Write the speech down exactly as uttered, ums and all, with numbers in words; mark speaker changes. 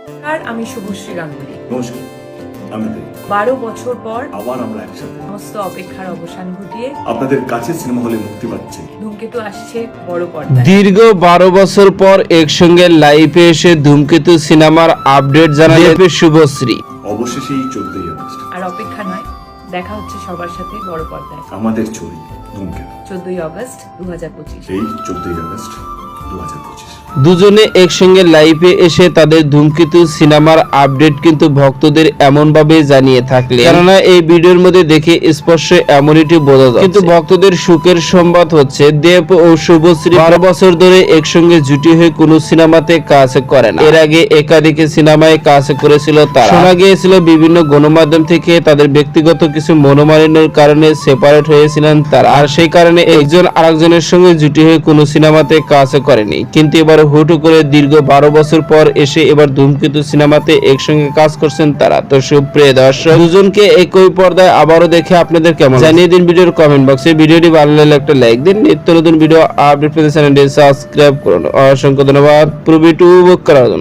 Speaker 1: আর আমি শুভশ্রী গাঙ্গুলি।
Speaker 2: নমস্কার, আমি দেব।
Speaker 1: বারো বছর পর
Speaker 2: আবার আমরা একসাথে
Speaker 1: সমস্ত অপেক্ষার অবসান ঘটিয়ে
Speaker 2: আপনাদের কাছে সিনেমা হলে মুক্তি পাচ্ছে
Speaker 1: ধূমকেতু আসছে বড় পর্দায়।
Speaker 3: দীর্ঘ বারো বছর পর একসঙ্গে লাইভে এসে ধূমকেতু সিনেমার আপডেট জানালেন শুভশ্রী।
Speaker 2: অবশেষে এই চোদ্দই আগস্ট
Speaker 1: আর অপেক্ষা নয়, দেখা হচ্ছে সবার সাথে বড় পর্দায়।
Speaker 2: আমাদের ছবি ধূমকেতু
Speaker 1: চোদ্দই আগস্ট দু হাজার পঁচিশ।
Speaker 2: এই চোদ্দই আগস্ট দু হাজার পঁচিশ
Speaker 3: দুজনে একসঙ্গে লাইভে এসে তাদের ধূমকেতু সিনেমার আপডেট কিন্তু ভক্তদের এমন ভাবে জানিয়ে থাকলে, কেননা এই ভিডিওর মধ্যে দেখে স্পষ্ট এমনটি বোঝা যায়। কিন্তু ভক্তদের সুখের সংবাদ হচ্ছে দেব ও শুভশ্রী বারো বছর ধরে একসঙ্গে জুটি হয়ে কোনো সিনেমাতে কাজ করে না। এর আগে একাধিক সিনেমায় কাজ করেছিল তারা। শোনা গিয়েছিল বিভিন্ন গণমাধ্যম থেকে তাদের ব্যক্তিগত কিছু মনোমালিন্যের কারণে সেপারেট হয়েছিলেন তারা, আর সেই কারণে একজন আরেকজনের সঙ্গে জুটি হয়ে কোনো সিনেমাতে কাজ করেনি। কিন্তু এবার হুট করে দীর্ঘ বারো বছর পর এসে এবার ধূমকেতু সিনেমাতে একসঙ্গে কাজ করছেন তারা। তো সুপ্রিয় দর্শক, দুজনকে একই পর্দায় আবারও দেখে আপনাদের কেমন জানিয়ে দিন ভিডিওর কমেন্ট বক্সে। ভিডিওটি ভালো লাগলে একটা লাইক দিন। নিত্য নতুন ভিডিও আপডেট পেতে চ্যানেলটি সাবস্ক্রাইব করুন। অসংখ্য ধন্যবাদ পুরো ভিডিও উপভোগ করার জন্য।